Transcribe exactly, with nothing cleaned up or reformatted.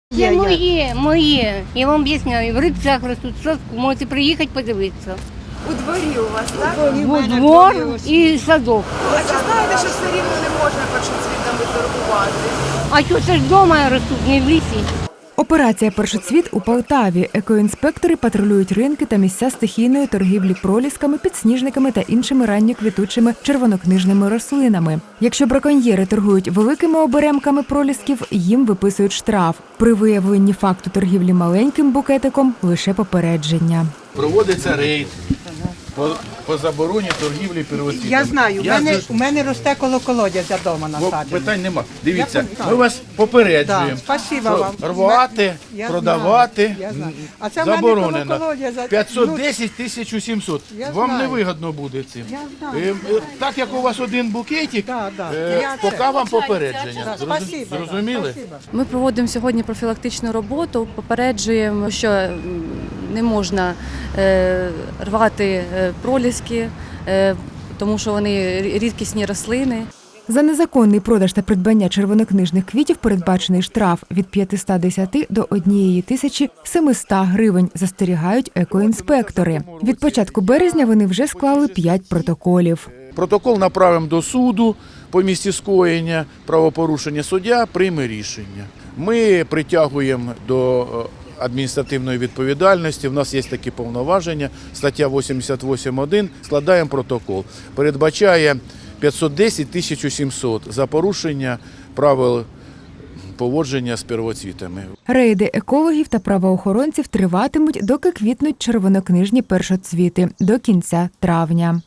Це моє, моє. Я вам об'ясняю, в рибцях ростуть, в садку, можете приїхати подивитися. У дворі у вас, так? У двор і садок. А чи знаєте, що все рівно не можна першоцвітами торгувати? А що це ж вдома ростуть, не в лісі? Операція «Першоцвіт» у Полтаві. Екоінспектори патрулюють ринки та місця стихійної торгівлі пролісками, підсніжниками та іншими ранньоквітучими червонокнижними рослинами. Якщо браконьєри торгують великими оберемками пролісків, їм виписують штраф. При виявленні факту торгівлі маленьким букетиком – лише попередження. Проводиться рейд по, по забороні торгівлі первоцвітами. Я знаю, у Я мене, за- у мене росте коло колодязя вдома Бо насаджено. питань нема. Дивіться, Я пам'ятаю. ми вас попереджуємо, Да, спасибо що вам. рвати, Я продавати знаю, я знаю. А це в мене заборонено. коло колодязя. п'ятсот десять – тисяча сімсот. Я Вам знаю. не вигідно буде цим. Я знаю. Е, е, Так як у вас один букетик, Да, да. е, Я поки це. вам попередження. Да, Зрозу- спасибо, да, Зрозуміли? спасибо. Ми проводимо сьогодні профілактичну роботу, попереджуємо, що м, не можна е, рвати е, проліски, е, тому що вони рі- рідкісні рослини. За незаконний продаж та придбання червонокнижних квітів передбачений штраф від п'ятсот десять до однієї тисячі семисот гривень, застерігають екоінспектори. Від початку березня вони вже склали п'ять протоколів. Протокол направимо до суду по місці скоєння правопорушення, суддя прийме рішення. Ми притягуємо до е, адміністративної відповідальності, в нас є такі повноваження, стаття вісімдесят вісім один, складаємо протокол. Передбачає п'ятсот десять – тисяча сімсот за порушення правил поводження з первоцвітами. Рейди екологів та правоохоронців триватимуть, доки квітнуть червонокнижні першоцвіти – до кінця травня.